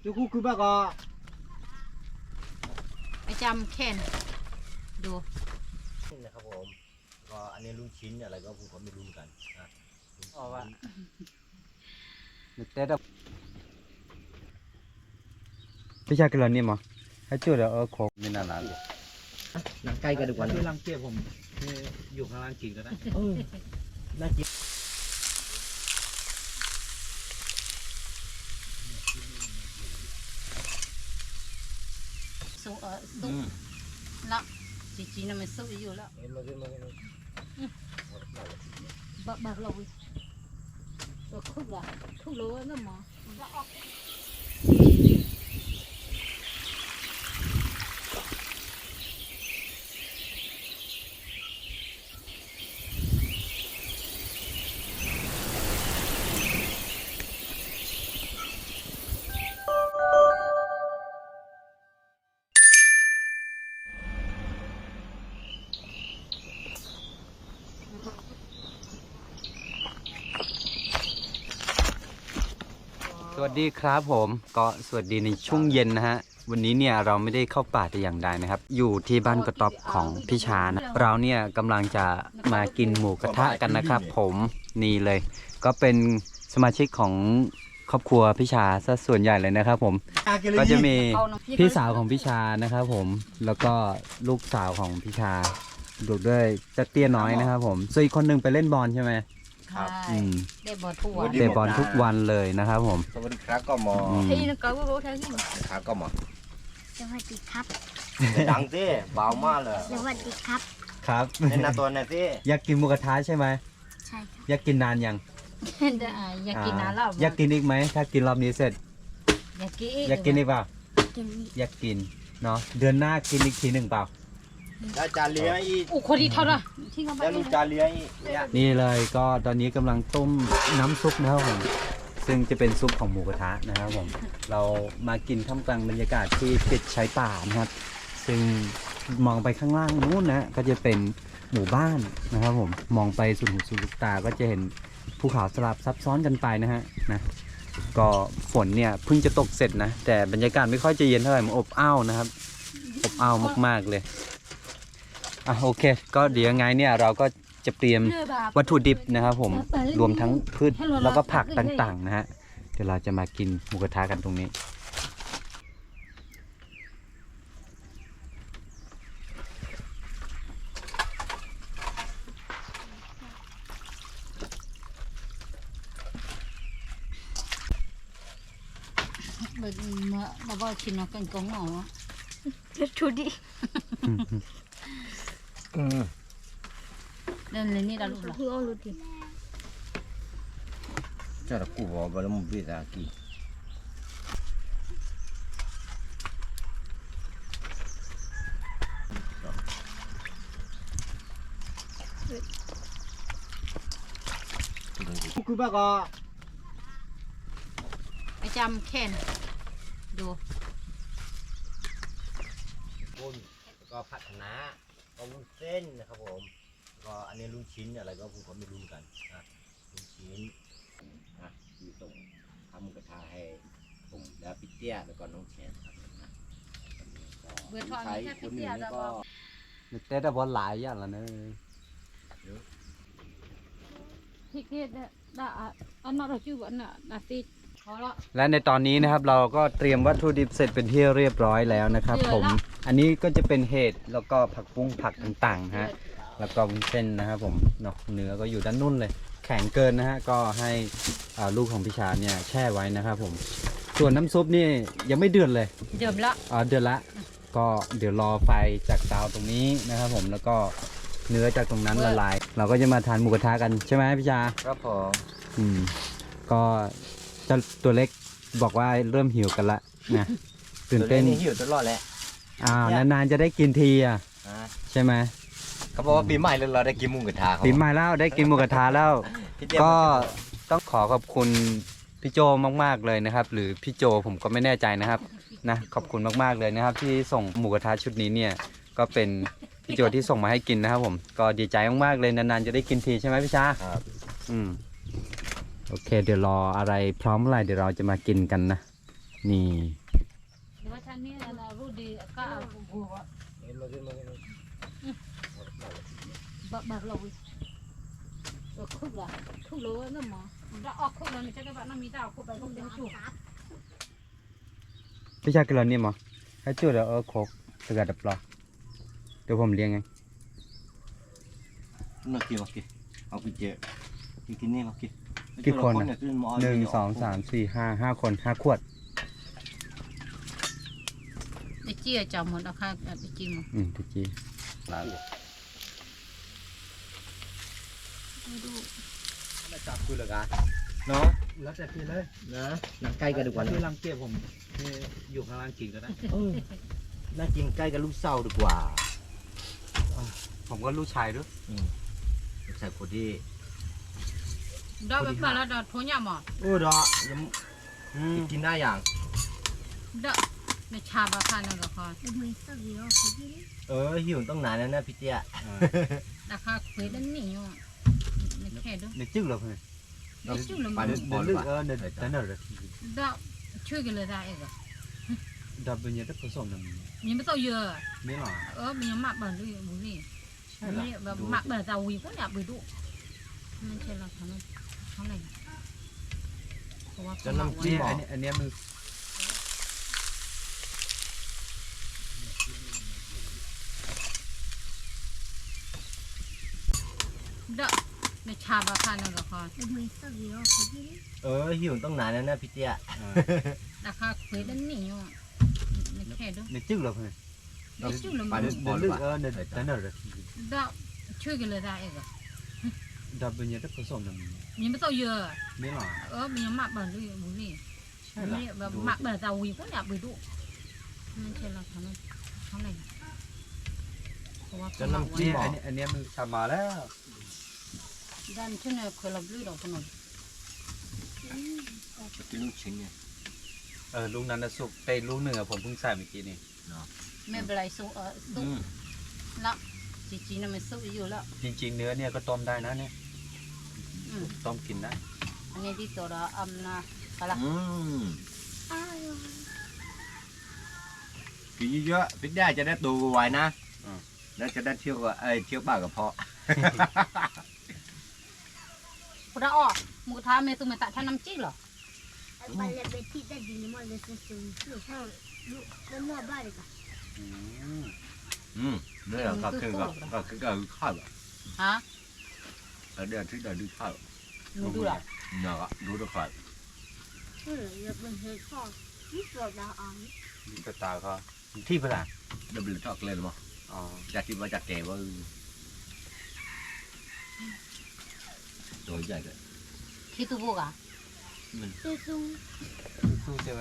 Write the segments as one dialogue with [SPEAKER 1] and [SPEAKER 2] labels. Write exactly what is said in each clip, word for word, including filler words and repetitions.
[SPEAKER 1] จุกุคือบ้าก็
[SPEAKER 2] ไปจำแค่นดู
[SPEAKER 1] นะครับผมก็อันนี้ลุงชิ้นอะไรก็ผมก็ไม่รู้กันนะเพราะว่าเต้ดพี่ชายกินอะไรนี่มั้งให้จุดแล้วเออโคไม่นานแล้วหนังไก่กันดีกว่าที่รังเกียจผมอยู่ข้างล่างกินก็ได้เออน่ากิน
[SPEAKER 2] สู้เออสู้แล้วจริงๆน่ะมันสู้อยู่แล้วบักบักเราตัวคุกละคุกโลนั่นหมอ
[SPEAKER 3] สวัสดีครับผมก็สวัสดีในช่วงเย็นนะฮะวันนี้เนี่ยเราไม่ได้เข้าป่าแต่อย่างใดนะครับอยู่ที่บ้านกระต๊อบของพี่ชานะเราเนี่ยกำลังจะมากินหมูกระทะกันนะครับผมนี่เลยก็เป็นสมาชิกของครอบครัวพี่ชาซะส่วนใหญ่เลยนะครับผมก็จะมีพี่สาวของพี่ชานะครับผมแล้วก็ลูกสาวของพี่ชาดูด้วยเจ้าเตี้ยน้อยนะครับผมส่วนอีกคนหนึ่งไปเล่นบอลใช่ไหม
[SPEAKER 2] ครับเดบอลทุกวัน
[SPEAKER 3] เตะบอลทุกวันเลยนะครับผม
[SPEAKER 1] สวัสดีครับก็หมอ
[SPEAKER 2] ที่นั่นก็รู้ทั้งที่
[SPEAKER 1] ครับก็หมอ
[SPEAKER 4] สวัสดีครับ
[SPEAKER 1] ดังสิเบามากเลย
[SPEAKER 4] สวัสดีครับ
[SPEAKER 3] ครับ
[SPEAKER 1] เล่นนาตัวหน่อยสิ
[SPEAKER 3] อยากกินหมูกระทะใช่ไหม
[SPEAKER 4] ใช่ครับ
[SPEAKER 3] อยากกินนานยัง
[SPEAKER 2] อยากกินนานแล้ว
[SPEAKER 3] อยากกินอีกไหมถ้ากินรอบนี้เสร็จ
[SPEAKER 2] อยากกิน
[SPEAKER 3] อยากกินอีกเปล่า
[SPEAKER 4] กิน
[SPEAKER 3] อยากกินเนาะเดือนหน้ากินอีกทีหนึ่งเปล่า
[SPEAKER 1] แล้วจานเลี้ยงอีก
[SPEAKER 2] โอ้คนที่เท่าไหร่ที่เขาไป
[SPEAKER 1] แล้วลูกจานเลี้ยงอีก
[SPEAKER 3] นี่เลยก็ตอนนี้กำลังต้มน้ำซุปนะครับผมซึ่งจะเป็นซุปของหมูกระทะนะครับผมเรามากินท่ามกลางบรรยากาศที่ติดชายป่านะครับซึ่งมองไปข้างล่างนู้นนะก็จะเป็นหมู่บ้านนะครับผมมองไปสุดหูสุดลูกตาก็จะเห็นภูเขาสลับซับซ้อนกันไปนะฮะนะก็ฝนเนี่ยเพิ่งจะตกเสร็จนะแต่บรรยากาศไม่ค่อยจะเย็นเท่าไหร่มันอบอ้าวนะครับอบอ้าวมากๆเลยอ่ะโอเคก็เดี๋ยวไงเนี่ยเราก็จะเตรียมวัตถุดิบนะครับผมรวมทั้งพืชแล้วก็ผักต่างๆนะฮะเดี๋ยวเราจะมากินหมูกระทะกันตรงนี้
[SPEAKER 2] มามาบอกชิมกันกงเหรอ
[SPEAKER 4] ชูดิ
[SPEAKER 2] นั่นเลยนี่เราลูกหรอ
[SPEAKER 4] คือเอาลูดิ
[SPEAKER 1] จะรักกูบอกว่าเราไม่ได้ตากีคือบ้าก็
[SPEAKER 2] ไปจำแค่นดู
[SPEAKER 1] บุญแล้วก็ผัดคะน้าก็วุ้นเส้นนะครับผมก็อันนี้ลุงชิ้นอะไรก็ผมก็ไม่รู้กันนะลุงชิ้นนะอยู่ตรงทำหมูกระทะให้ผมแล้วพี่เตี้ยแล้วก็น้องแชนครับนะ
[SPEAKER 2] เบื่อทอนแค่พี่เตี้ยแล้วก็
[SPEAKER 3] เต้แต่บอลหลายอย่างละเนอะ
[SPEAKER 2] พี่เตี้ยได้อันนั้นเราชื่อว่าน่ะนาซี
[SPEAKER 3] และในตอนนี้นะครับเราก็เตรียมวัตถุดิบเสร็จเป็นที่เรียบร้อยแล้วนะครับผมอันนี้ก็จะเป็นเห็ดแล้วก็ผักบุ้งผักต่างๆฮะแล้วก็วุ้นเส้นนะครับผมเนาะเนื้อก็อยู่ด้านนุ่นเลยแข็งเกินนะฮะก็ให้ลูกของพี่ชาเนี่ยแช่ไว้นะครับผมส่วนน้ำซุปนี่ยังไม่เดือดเลย
[SPEAKER 2] เดือดละ
[SPEAKER 3] อ๋อเดือดละก็เดี๋ยวรอไฟจากเตาตรงนี้นะครับผมแล้วก็เนื้อจากตรงนั้นละลายเราก็จะมาทานหมูกระทะกันใช่ไหมพี่ชา
[SPEAKER 1] ครับผม
[SPEAKER 3] อืมก็เจ้าตัวเล็กบอกว่าเริ่มหิวกันละนะตื่นเต้น
[SPEAKER 1] หิวตลอดแหละ
[SPEAKER 3] อ้าวนานๆจะได้กินทีอ่ะใช่ไหม
[SPEAKER 1] เขาบอกว่าปีใหม่เราได้กินหมูกระทะ
[SPEAKER 3] ปีใหม่แล้วได้กินหมูกระทะแล้วก็ต้องขอขอบคุณพี่โจมากๆเลยนะครับหรือพี่โจผมก็ไม่แน่ใจนะครับนะขอบคุณมากๆเลยนะครับที่ส่งหมูกระทะชุดนี้เนี่ยก็เป็นพี่โจที่ส่งมาให้กินนะครับผมก็ดีใจมากๆเลยนานๆจะได้กินทีใช่ไหมพี่ชา
[SPEAKER 1] ครับ
[SPEAKER 3] อืมโอเคเดี๋ยวรออะไรพร้อมอะไรเดี๋ยวเราจะมากินกันนะนี่
[SPEAKER 2] หรือว่าฉันนี่เรารู้ดีก็เอาหัว
[SPEAKER 1] เห็นมาขึ้นมาขึ้นมา
[SPEAKER 2] บักบักลงตัวคุกละคุกเลยนั่นหมอเราออกคุกแล้วนี่จะได้แบบน้ำมีดาวคุกไปคุกเดียวจุก
[SPEAKER 3] พี่ชายกินแล้วนี่มั้งให้จุดแล้วเออโคกสกัดดับปลาเดี๋ยวผมเลี้ยงไง
[SPEAKER 1] มากินมากินเอาไปเจอกินกินนี่มากิน
[SPEAKER 3] กี่คน
[SPEAKER 1] เย
[SPEAKER 3] อ่ะ
[SPEAKER 1] ขึ้มา
[SPEAKER 3] หนึ่งสองสามสี่ห้าห้าคนห้าขวด
[SPEAKER 2] ไอ้เจี๊ยจอมหมดเอาข้าวไปจิ้ม
[SPEAKER 3] อืมทุกที
[SPEAKER 1] จับคือละกัน
[SPEAKER 3] เนาะแล้วแต่พี่เลย
[SPEAKER 1] นะนั่งใกล้กันดีกว่า
[SPEAKER 3] พี่
[SPEAKER 1] นะ
[SPEAKER 3] รังเกียจผมอยู่ข้างล่างกินก็ได้
[SPEAKER 1] เออน่ากินใกล้กับลูกเศร้าดีกว่า
[SPEAKER 3] ผมก็ลูกชายด้วย
[SPEAKER 1] ลูกชายคนที่
[SPEAKER 2] ดอกแบบแล้วดอกทุ่งยาหมอ
[SPEAKER 1] โอ้ดอกยัง
[SPEAKER 3] อืม
[SPEAKER 1] กินได้อย่าง
[SPEAKER 2] ดอกในชาบะค่ะนั่นก็พอ
[SPEAKER 4] เป็นมือสักเดียวเขาที่นี่
[SPEAKER 1] เออหิวต้องนานแล้วนะพี่เตี้ย
[SPEAKER 2] ราคาคุยแล้วนี่อยู่ไม่แค่ด้วย
[SPEAKER 3] เด็กจึ๊กเหรอเพื่อน
[SPEAKER 2] ไม่จุ่มลง
[SPEAKER 1] ไป
[SPEAKER 2] มา
[SPEAKER 1] เดินบอล
[SPEAKER 3] ลึก
[SPEAKER 1] ป่ะ
[SPEAKER 3] เออเดินเดินเดิน
[SPEAKER 2] ดอกช่วยกันเลยได้เองอะ
[SPEAKER 3] ดับเป็นยังไงผสมกัน
[SPEAKER 2] ยังไม่ต้องเยอะ
[SPEAKER 3] ไม่หรอ
[SPEAKER 2] เออมันยังหมักแบบนี้บุรี
[SPEAKER 3] ใช่เหรอ
[SPEAKER 2] นี่แบบหมักแบบจะวีก็อยากไปดูไม่ใช่เราทำเท่าไหร่เพราะว่า
[SPEAKER 1] จะน้ำจิ้
[SPEAKER 3] นี่
[SPEAKER 1] ม
[SPEAKER 3] อันนี้อันนี้มัน
[SPEAKER 2] ดอกในชาบะค่ะนั่นก็พอ
[SPEAKER 4] เป็นมือสักเดียวเขาที่นี่
[SPEAKER 1] เออหิวต้องนานแล้วนะพี่เตี้ย
[SPEAKER 2] ราคาคุยแล้วนี่อยู่ไม่แค่ด้วย
[SPEAKER 3] เด็กจึ๊กเหรอเพื่อน
[SPEAKER 2] ไม่จุ่มลง
[SPEAKER 1] ไป
[SPEAKER 2] มา
[SPEAKER 1] เดินบอล
[SPEAKER 3] ลึก
[SPEAKER 1] ป่ะ
[SPEAKER 3] เออเดินเดินเดิน
[SPEAKER 2] ดอกช่วยกันเลยได้เองอะ
[SPEAKER 3] ดับเป็นยังไงผสมกัน
[SPEAKER 2] ยังไม่ต้องเยอะ
[SPEAKER 3] ไม่หรอ
[SPEAKER 2] เออมันยังหมักแบบนี้บุรี
[SPEAKER 3] ใช่เหรอ
[SPEAKER 2] นี่แบบหมักแบบจะวีก็อยากไปดูไม่ใช่เราทำเท่าไหร่เพราะว่า
[SPEAKER 1] จะน้ำจิ้
[SPEAKER 3] นี่
[SPEAKER 1] ม
[SPEAKER 3] อันนี้อันนี้มันทำมาแล้ว
[SPEAKER 2] ด้านที่เนี่ยเคยรับรู้ดอกขนม
[SPEAKER 1] กินลูกชิ้นเนี่ย
[SPEAKER 3] เออลูกนั้นนะสุกแต่ลูกหนึ่งอะผมเพิ่งใส่เมื่อกี้นี่
[SPEAKER 2] ไม่เป็นไรสู้เออสู้แล้วจริงๆน่ะมันสู้อยู่แล้ว
[SPEAKER 3] จริงๆเนื้อเนี่ยก็ต้มได้นะเนี่ย
[SPEAKER 2] อืม
[SPEAKER 3] ต้มกินได้
[SPEAKER 2] อันนี้ที่ตัวเราอำนะอะไร
[SPEAKER 1] อืม
[SPEAKER 4] อ้าว
[SPEAKER 1] กินเยอะๆพี่เตี้ยจะได้ตัวไวนะแล้วจะได้เที่ยวกับไอ้เที่ยวบ้านกับพ่อ
[SPEAKER 2] คุณอ้อหมูท้าเมตุเมตะท่าน้ำจิ้มเหรอ
[SPEAKER 4] ไปเลยไปที่ได้ดีมากเลยสุดๆลูกข้าวลูกแล้วนอกบ้านเลยค่ะ
[SPEAKER 3] อืม
[SPEAKER 1] อืมเนี่ยก็คือก็ก็คือก็คือข้าว
[SPEAKER 2] ฮะ
[SPEAKER 1] แล้วเดี๋ยวที่เดี๋ยวดูข้าว
[SPEAKER 2] หนูดูเหรอ
[SPEAKER 1] เนี่ยก็ดูด้วยข้าว
[SPEAKER 4] เอออย่าเป็นเหตุข้อที่ปวดดาวอ่อน
[SPEAKER 3] กระตาก็ที่ภาษา
[SPEAKER 1] เดี๋ยวเป็นทอกเลยมั้ง
[SPEAKER 3] อ๋อ
[SPEAKER 1] จากที่ว่าจากแก่ว่าตัวใหญ่เลย
[SPEAKER 2] ที่ตู้บุกอ่ะ
[SPEAKER 4] สู้สู้
[SPEAKER 3] สู้ใช่ไหม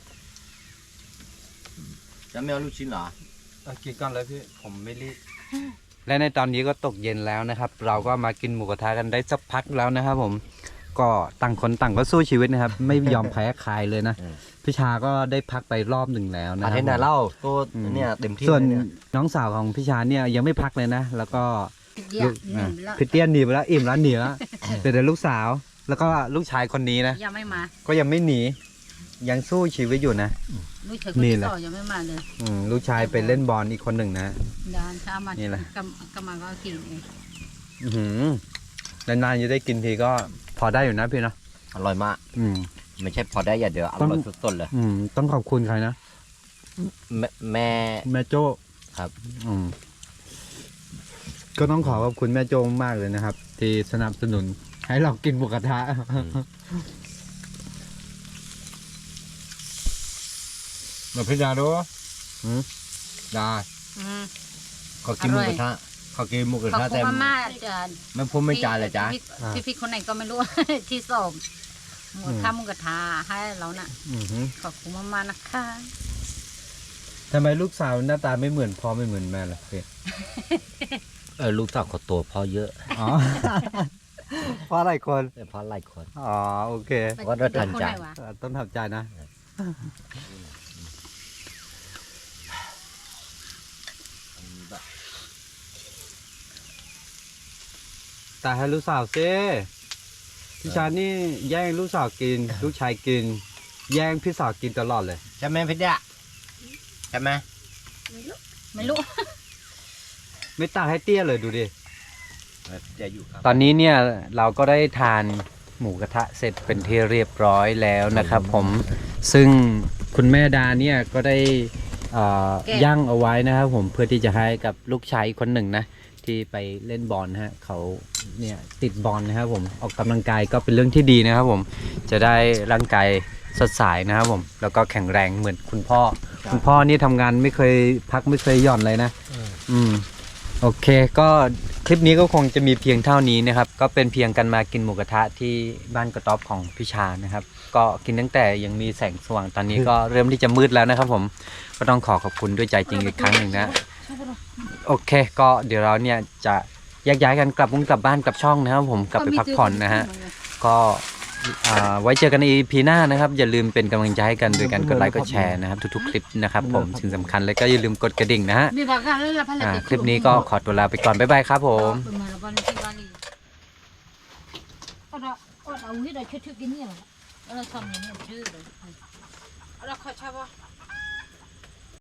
[SPEAKER 1] จะไม่เอาลูกชิ้นเหรอ
[SPEAKER 3] เอากินก่อนเลยพี่ผมไม่รีบและในตอนนี้ก็ตกเย็นแล้วนะครับ เราก็มากินหมูกระทะกันได้สักพักแล้วนะครับ ผมก็ต่างคนต่างก็สู้ชีวิตนะครับ ไม่ยอมแพ้ใครเลยนะพี่ชาก็ได้พักไปรอบหนึ่งแล้วนะค
[SPEAKER 1] อา
[SPEAKER 3] รับ
[SPEAKER 1] เทนดาเล่าตัวเนี่ยเต็มที่
[SPEAKER 3] ส่วน
[SPEAKER 1] เลยเนี่ย
[SPEAKER 3] น้องสาวของพี่ชาเนี่ยยังไม่พักเลยนะ แล้วก็
[SPEAKER 2] เดี๋ยว
[SPEAKER 3] ลูก
[SPEAKER 2] นี่
[SPEAKER 3] อ่ะ
[SPEAKER 2] แล้ว
[SPEAKER 3] พี่เตี้ยนหนีไปแล้วอิ่มแล้วหนีแล้วแต่เดี๋ยวลูกสาว แล้วก็ลูกชายคนนี้นะ
[SPEAKER 2] ยังไม่มา
[SPEAKER 3] ก็ยังไม่หนียังสู้ชีวิตอยู่นะ
[SPEAKER 2] ลูกเธอคน
[SPEAKER 3] นี่
[SPEAKER 2] ที่
[SPEAKER 3] แหละ
[SPEAKER 2] สองยังไม่มาเลย
[SPEAKER 3] อืมลูกชายไปเล่นบอลอีกคนหนึ่งนะ
[SPEAKER 2] เดินช้ามา
[SPEAKER 3] นี่แหละ
[SPEAKER 2] กำกำมาก็กินเอง
[SPEAKER 3] อื้อหือนานๆจะได้กินทีก็พอได้อยู่นะพี่เนาะ
[SPEAKER 1] อร่อยมาก
[SPEAKER 3] อืม
[SPEAKER 1] ไม่ใช่พอได้อย่างเดียวอร่อยสุดๆเลย
[SPEAKER 3] อืมต้องขอบคุณใครนะ
[SPEAKER 1] แม่แม่
[SPEAKER 3] แม่โจ้
[SPEAKER 1] ครับ
[SPEAKER 3] อืมก็ต้องขอขอบคุณแม่โจ้มากเลยนะครับ ที่สนับสนุนให้เรากินหมูกระทะ
[SPEAKER 1] มาพิจารณาดู
[SPEAKER 3] อืม
[SPEAKER 1] ได้
[SPEAKER 2] อืม
[SPEAKER 1] เขากินหมูกระทะเขากินหมูกระ
[SPEAKER 2] ขอบ
[SPEAKER 1] ทะ
[SPEAKER 2] คุ
[SPEAKER 1] แต่
[SPEAKER 2] ณมาม่าจะ
[SPEAKER 1] ไม่พูดไม่จาเลยจ้า
[SPEAKER 2] พี่พี่คนไหนก็ไม่รู้ ที่สอบหมูทำหมูกระทะให้เราน่ะ
[SPEAKER 3] อือหือ
[SPEAKER 2] ขอบคุณมากๆนะคะ
[SPEAKER 3] ทำไมลูกสาวหน้าตาไม่เหมือนพ่อไม่เหมือนแม่ล่ะพี่
[SPEAKER 1] เออลูกสาวเขาโตพอเยอะ
[SPEAKER 3] อ๋อ เพราะอะไรคน
[SPEAKER 1] แต่พอหลายคน
[SPEAKER 3] อ๋อโอเค
[SPEAKER 1] ว่าเราทันใจ
[SPEAKER 2] คนไหวะ
[SPEAKER 3] เอ่อต้องทำใจนะ แต่ให้ลูกสาวซิพี่ชายนี่แย่งลูกสาวกิน ลูกชายกินแย่งพี่สาวกินตลอดเลย
[SPEAKER 1] ใช่ไหมพี่เดียใช่ไหม
[SPEAKER 4] ไม่รู้
[SPEAKER 2] ไม่รู้
[SPEAKER 3] ไม่ตักให้เตี้ยเลยดูดิ
[SPEAKER 1] เออจะอยู่ครับ
[SPEAKER 3] ตอนนี้เนี่ยเราก็ได้ทานหมูกระทะเสร็จเป็นที่เรียบร้อยแล้วนะครับผมซึ่งคุณแม่ดาเนี่ยก็ได้เอ่อย่างเอาไว้นะครับผมเพื่อที่จะให้กับลูกชายอีกคนหนึ่งนะที่ไปเล่นบอลนะฮะเขาเนี่ยติดบอลนะครับผมออกกำลังกายก็เป็นเรื่องที่ดีนะครับผมจะได้ร่างกายสดใสนะครับผมแล้วก็แข็งแรงเหมือนคุณพ่อคุณพ่อนี่ทำงานไม่เคยพักไม่เคยหย่อนเลยนะอืมโอเคก็คลิปนี้ก็คงจะมีเพียงเท่านี้นะครับก็เป็นเพียงกันมากินหมูกระทะที่บ้านกระต๊อบของพี่ชานะครับก็กินตั้งแต่ยังมีแสงสว่างตอนนี้ก็เริ่มที่จะมืดแล้วนะครับผมก็ต้องขอขอบคุณด้วยใจจริงอีกครั้งหนึ่งนะโอเคก็เดี๋ยวเราเนี่ยจะแยกย้ายกันกลับมุ้งกลับบ้านกลับช่องนะครับผมกลับไปพักผ่อนนะฮะก็อ่าไว้เจอกันใน อี พี หน้านะครับอย่าลืมเป็นกำลังใจให้กันโดยการกดไลค์กดแชร์นะครับทุกๆคลิปนะครับผมสิ่งสำคัญเลยก็อย่าลืมกดกระดิ่งนะฮะ
[SPEAKER 2] มีบางครั้งแล้วพัน
[SPEAKER 3] อ่าคลิปนี้ก็ขอตัวลาไปก่อนบ๊ายบายครับผม
[SPEAKER 2] เป็นมาแล้ววันที่วันนี้เอาละเอาละเอาที่เราชื่อชื่อกินเนี่ยเอาละทำอย่างนี้ชื่อเลยเอาละขอชอบว่า